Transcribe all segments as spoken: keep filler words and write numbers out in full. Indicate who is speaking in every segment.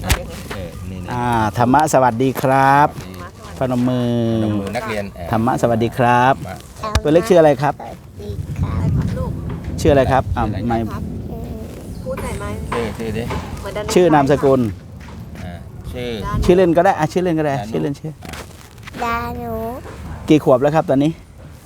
Speaker 1: เออนี่นี่
Speaker 2: อ่าธรรมะสวัสดีครับพนมมือ
Speaker 1: ลงมือนักเรียนเอ่อ
Speaker 2: ธรรมะสวัสดีครับ
Speaker 1: มา
Speaker 2: ตัวเล็กชื่ออะไรครับ
Speaker 3: สวัสดีครับ
Speaker 4: ลูก
Speaker 2: ชื่ออะไรครับอ่าไม่
Speaker 4: ครับพูดหน่อยไหม
Speaker 1: ชื่อชื่อดิ
Speaker 4: เหมือนดัน
Speaker 2: ชื่อนามสกุล
Speaker 1: อ่าชื่อ
Speaker 2: ชื่อเล่นก็ได้อ่ะชื่อเล่นก็ได้ชื่อเล่นชื่อ
Speaker 3: ดาหนู
Speaker 2: กี่ขวบแล้วครับตอนนี้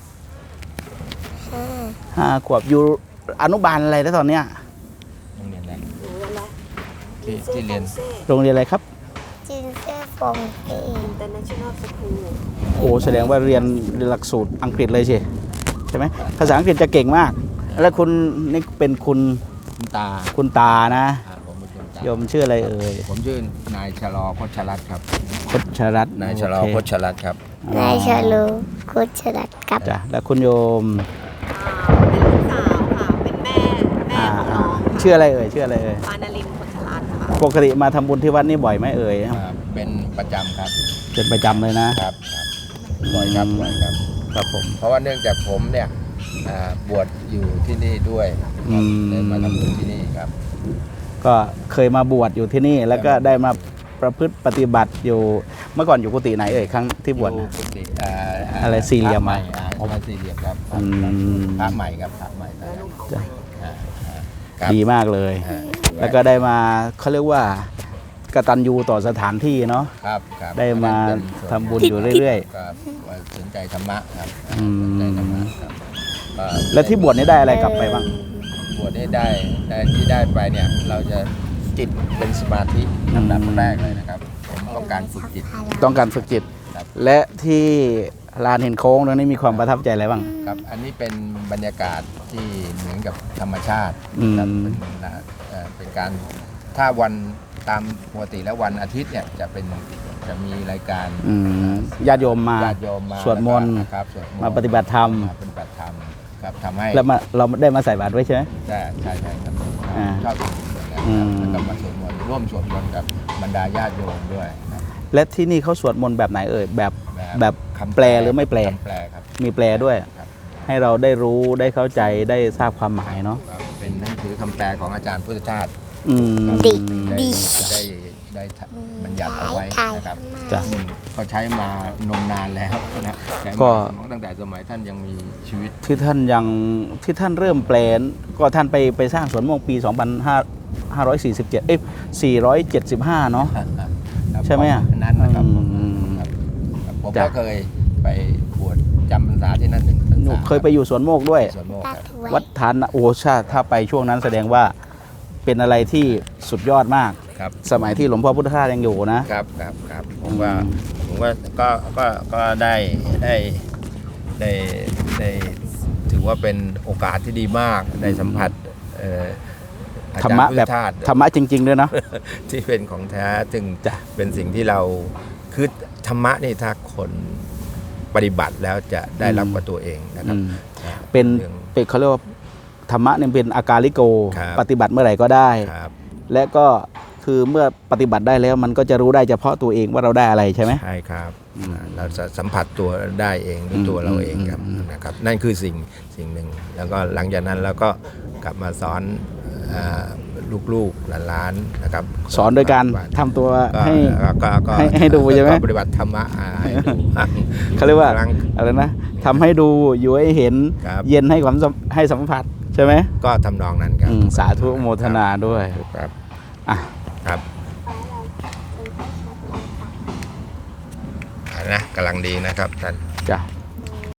Speaker 3: ห้า
Speaker 2: ห้าขวบอยู่อนุบาลอะไรแล้วตอนเนี้ย
Speaker 1: โรงเรียนอะไร
Speaker 4: หนูอะไร
Speaker 1: ที่ที่เรียน
Speaker 2: โรงเรียนอะไรครับ
Speaker 3: จินเซ่ฟงเอ
Speaker 4: อินเตอร์เนชั่นแนลสคูล
Speaker 2: โอ้แสดงว่าเรียนหลักสูตรอังกฤษเลยใช่ใช่ไหมภาษาอังกฤษจะเก่งมาก แล้วคุณนี่เป็นคุณ
Speaker 1: คุณตา
Speaker 2: คุณตานะ
Speaker 1: อ่าผมเป็นคุณตา
Speaker 2: โยมชื่ออะไรเอ่ย
Speaker 1: ผมชื่อนายชะลอพชรัตน์ครับ
Speaker 2: พชรัตน์
Speaker 1: นายชะลอ
Speaker 2: โเค
Speaker 1: พชรัตน์ครับ
Speaker 3: นายชาลูคุชรัตกับ
Speaker 2: จ้ะแล้วคุณโยม
Speaker 4: อ่าเป็นลูกสาวค่ะ เป็นแม่ แม่
Speaker 2: อ่า
Speaker 4: ของ
Speaker 2: อ่า
Speaker 4: น้อง
Speaker 2: ชื่ออะไรเอ่ยชื่ออะไรเอ่ย
Speaker 4: ปานาลินพชรัตน์ค่ะ
Speaker 2: ปกติมาทำบุญที่วัดนี่บ่อยไหมเอ่ย
Speaker 1: อ่าเป็นประจำครับ
Speaker 2: เป็นประจำเลยนะครับ
Speaker 1: ครับบ่อยครับบ่อยครับ
Speaker 2: ครับผม
Speaker 1: เพราะว่าเนื่องจากผมเนี่ยอ่าบวชอยู่ที่นี่ด้วย
Speaker 2: อืม
Speaker 1: เลยมาทำบุญที่นี่ครับ
Speaker 2: ก็เคยมาบวชอยู่ที่นี่ แล้วก็ได้มาประพฤติปฏิบัติอยู่เมื่อก่อนอยู่กุฏิไหนเอ่ยครั้งที่บวช
Speaker 1: อยู่
Speaker 2: นะ
Speaker 1: กุฏิอ่าา
Speaker 2: อะไรสี่เหลี่ยม
Speaker 1: พระ
Speaker 2: อะ
Speaker 1: ใหม่อ่าพระสี่เหลี่ยมครับ
Speaker 2: อืม
Speaker 1: พระใหม่ครับพระใหม่
Speaker 4: แล้วลูกของ
Speaker 2: จ้ะ
Speaker 4: ใหม่
Speaker 1: อ่าอ่าครับ
Speaker 2: ดีมากเลย
Speaker 1: อ่า
Speaker 2: แล้วก็ได้มาเขาเรียกว่ากตัญญูต่อสถานที่เนาะ
Speaker 1: ครับครับ
Speaker 2: ได้มา
Speaker 1: เป็นส่วน
Speaker 2: ทำบุญอยู่เรื่อย
Speaker 1: ครับว่าสนใจธรรมะครับ
Speaker 2: อืม
Speaker 1: สนใจธรรมะครับก็
Speaker 2: ๆ แล้วที่บวชนี่ได้อะไรกลับไปบ้าง
Speaker 1: บวชได้ได้ได้ที่ได้ไปเนี่ยเราจะจิตเป็นสมาธิลำดับแรกเลยนะครับผมต้องการฝึกจิต
Speaker 2: ต้องการฝึกจิต
Speaker 1: ครับ
Speaker 2: และที่ลานเห็นโค้งตรงนี้มีความประทับใจอะไรบ้าง
Speaker 1: ครับอันนี้เป็นบรรยากาศที่เหมือนกับธรรมชาติ
Speaker 2: อืม
Speaker 1: ครับเป็นนะเอ่อเป็นการถ้าวันตามปกติแล้ววันอาทิตย์เนี่ยจะเป็นจะมีรายการ
Speaker 2: อืมญาติโยมมา
Speaker 1: ญาติโยมมา
Speaker 2: สวดมนต์
Speaker 1: แล้ก็ครับสวดนต์
Speaker 2: มาปฏิบัติธรรม
Speaker 1: มาปฏิบัติธรรมครับทำให้
Speaker 2: แล้วมาเราได้มาใส่บาตรไว้ใช่ไหม
Speaker 1: ใช่ใช่ใช่ครับ
Speaker 2: อ่า
Speaker 1: ชอบสวดมนต์นะ
Speaker 2: อื
Speaker 1: ครับ
Speaker 2: ม
Speaker 1: แล้วก็มาสวดมนต์ร่วมสวดมนต์กับบรรดาญาติโยมด้วยครับ
Speaker 2: และที่นี่เขาสวดมนต์แบบไหนเอ่ยแบบแบบ
Speaker 1: คำ
Speaker 2: แปลหรือไม่แปล
Speaker 1: คำแปลครับ
Speaker 2: มีแปลด้วย
Speaker 1: ครับ
Speaker 2: ให้เราได้รู้ได้เข้าใจได้ทราบความหมายเนาะ
Speaker 1: ครับเป็นหนังสือคำแปลของอาจารย์พุทธทาส
Speaker 2: อืม
Speaker 3: ดิ
Speaker 1: ได้
Speaker 3: ดิ
Speaker 1: ได้ได้บัญญัติเอาไว้นะครับ
Speaker 2: จ้ะ
Speaker 1: ซึ่งก็ใช้มานมนานแล้วนะใช้
Speaker 2: ก็
Speaker 1: มาตั้งแต่สมัยท่านยังมีชีวิต
Speaker 2: ที่ท่านยังที่ท่านเริ่มแปลนก็ท่านไปไปสร้างสวนโมกปี สองพันห้าร้อยสี่สิบเจ็ด เอ้ยสี่ร้อยเจ็ดสิบห้า เนาะ
Speaker 1: ครับ
Speaker 2: ใช่ไหมอ่ะ
Speaker 1: อันนั้นนะครับ
Speaker 2: อืม
Speaker 1: ครับครับผม
Speaker 2: จ้ะ
Speaker 1: ก็เคยไปบวชจำพรรษาที่นั่นหนึ่งพรร
Speaker 2: หนู
Speaker 1: ษา
Speaker 2: เคยไปอยู่สวนโมกด้วย
Speaker 1: สวนโมก
Speaker 3: ตั
Speaker 1: ค
Speaker 3: ด
Speaker 1: รับ
Speaker 3: ไว้
Speaker 2: วัดทานนะโอ้ชาติถ้าไปช่วงนั้นแสดงว่าเป็นอะไรที่สุดยอดมาก
Speaker 1: ครับ
Speaker 2: สมัยที่หลวงพ่อพุทธทาสยังอยู่นะ
Speaker 1: ครับครับครับผมว่า
Speaker 2: อืม
Speaker 1: ผมว่าก็ก็ก็ได้ได้ได้ได้ถือว่าเป็นโอกาสที่ดีมากได้สัมผัสเอ่ออา
Speaker 2: ธร
Speaker 1: จาร
Speaker 2: รมะ
Speaker 1: ย์พุท
Speaker 2: แบ
Speaker 1: ธ
Speaker 2: บ
Speaker 1: ทาส
Speaker 2: ธรรมะจริง ๆ ด้วยเนาะ
Speaker 1: ที่เป็นของแท้ซึ่ง
Speaker 2: จ้ะ
Speaker 1: เป็นสิ่งที่เราคือธรรมะนี่ถ้าคนปฏิบัติแล้วจะได้รับกับตัวเองนะครับ
Speaker 2: อืม
Speaker 1: อ่า
Speaker 2: เป็น
Speaker 1: รื่อง
Speaker 2: เป็นเขาเรียกว่าธรรมะเนี่ยเป็นอาการลิโก
Speaker 1: ครับ
Speaker 2: ปฏิบัติเมื่อไหร่ก็ได้
Speaker 1: ครับ
Speaker 2: และก็คือเมื่อปฏิบัติได้แล้วมันก็จะรู้ได้เฉพาะตัวเองว่าเราได้อะไรใช่ไหม
Speaker 1: ใช่ครับ
Speaker 2: อืม
Speaker 1: อ่าเราจะสัมผัสตัวได้เองด้วย
Speaker 2: อืม
Speaker 1: ตัวเราเองครับ
Speaker 2: อืม
Speaker 1: นะครับ นั่นคือสิ่งสิ่งหนึ่งแล้วก็หลังจากนั้นเราก็กลับมาสอนอ่าลูกๆหลานๆนะครับ
Speaker 2: สอนโดยการ
Speaker 1: ปฏิบัติ
Speaker 2: ทำตัว
Speaker 1: ก็
Speaker 2: ให้
Speaker 1: ก็ก็
Speaker 2: ให้ให้ดูใช่ไหม
Speaker 1: ก็ปฏิบัติธรรมะอ่าให้ดู
Speaker 2: เขาเรียกว่า
Speaker 1: ครั้ง
Speaker 2: อะไรนะทำให้ดูอยู่ให้เห็น
Speaker 1: ครับ
Speaker 2: เย็นให้ความสัมให้สัมผัสใช่ไหม
Speaker 1: ก็ทำนองนั้นครับ
Speaker 2: อืมสาธุโมทนาด้วย
Speaker 1: ครับ
Speaker 2: อ่ะ
Speaker 1: ครับอ่านะกำลังดีนะครับท่าน
Speaker 2: จ้ะ